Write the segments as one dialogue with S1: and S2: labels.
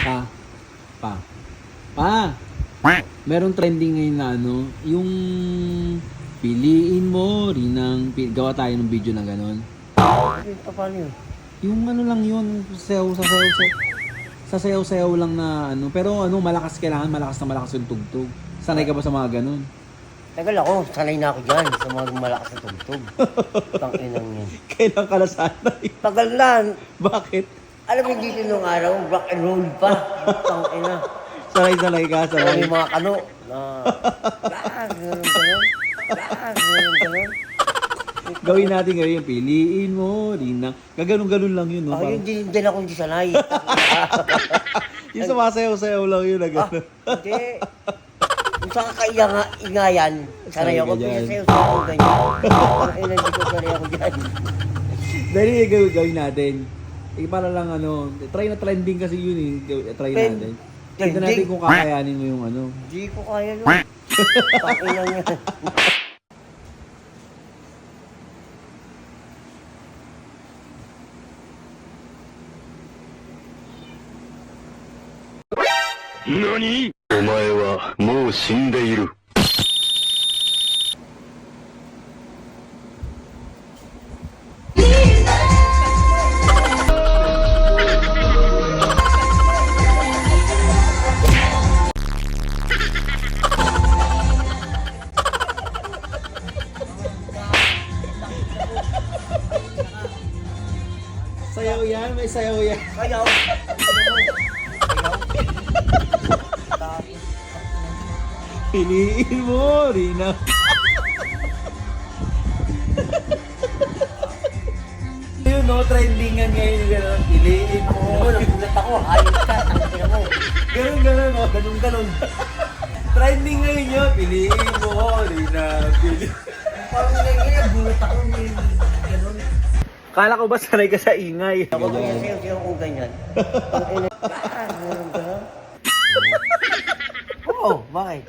S1: Pa. Pa. Merong trending ngayon na ano, yung piliin mo rin ng gawa tayo ng video na gano'n.
S2: Paano yun?
S1: Yung ano lang yun, sasayaw lang na ano, pero ano, malakas malakas yung tugtog. Sanay ka ba sa mga gano'n?
S2: Tagal ako, sanay na ako dyan sa mga malakas na tugtog. Tanginang yun.
S1: Kailan ka na sanay?
S2: Tagal na.
S1: Bakit?
S2: Alam mo dito nung araw, rock and roll pa. Tangina.
S1: Sanay ka, sanay.
S2: Yung mga kano na ganun.
S1: Gawin natin ngayon, piliin mo rin ng... Gaganon-ganon lang yun, no?
S2: Ako yun din ako hindi sanay.
S1: Yung sumasayaw-sayaw lang yun, na gano'n.
S2: Hindi. Kung sa kakaingayan, sanay ako.
S1: Sanay ka dyan.
S2: Pinasayaw sa ako ganyan. Tangina, hindi ko sanay ako dyan.
S1: Dahil gawin natin. Para lang ano, try na trending kasi yun eh. Try natin. Tignan natin kung kakayanin mo yung ano.
S2: Hindi ko kaya yun. Tangina yan.
S3: NANI?! お前はもう死んでいる。
S1: Sayaw yan, may sayaw yan.
S2: Kayaw.
S1: Piliin mo rin na. Yun no, trendingan ngayon yung gano'n. Piliin mo.
S2: Nagulat ako, hayop ka. Tangina mo.
S1: Ganun no, ganun. Trending ngayon yun. Piliin mo rin na.
S2: Parang nagulat ako. Ganun.
S1: Kala ko ba sanay ka sa ingay?
S2: Ako pinasayaw ko ganyan. Ganun. Oo, bakit?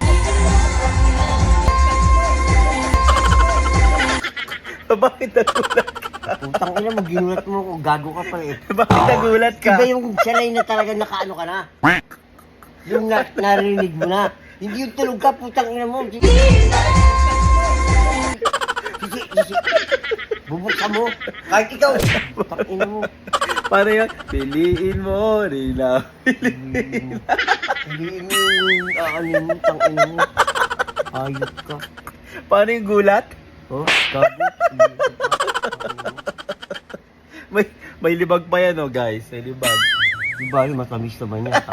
S1: Bakit nagulat ka?
S2: Utang ina mo, ginulat mo ako. Gago ka pa eh.
S1: Bakit nagulat ka?
S2: Iba yung sanay na talaga nakaano ka na. Yung narinig mo na. Hindi yung tulog ka, putang ina mo. Sisi. Bubuksan mo. Kahit ikaw. Putang ina mo.
S1: Paano yan? Piliin mo rin na.
S2: Hindi mo yung aanin mo, tang ina mo. Ayot ka.
S1: Paano yung gulat?
S2: Oh, gago.
S1: May libag pa yan, oh, guys. May libag.
S2: Di ba yung matamis naman yan?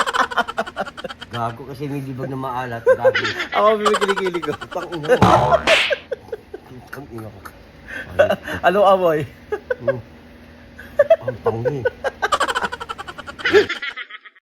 S2: Gago kasi may libag na maalat. Gago.
S1: Ako kilikili ko.
S2: Tang ina mo. Tang ina ko.
S1: Anong amoy?
S2: Ang tangi.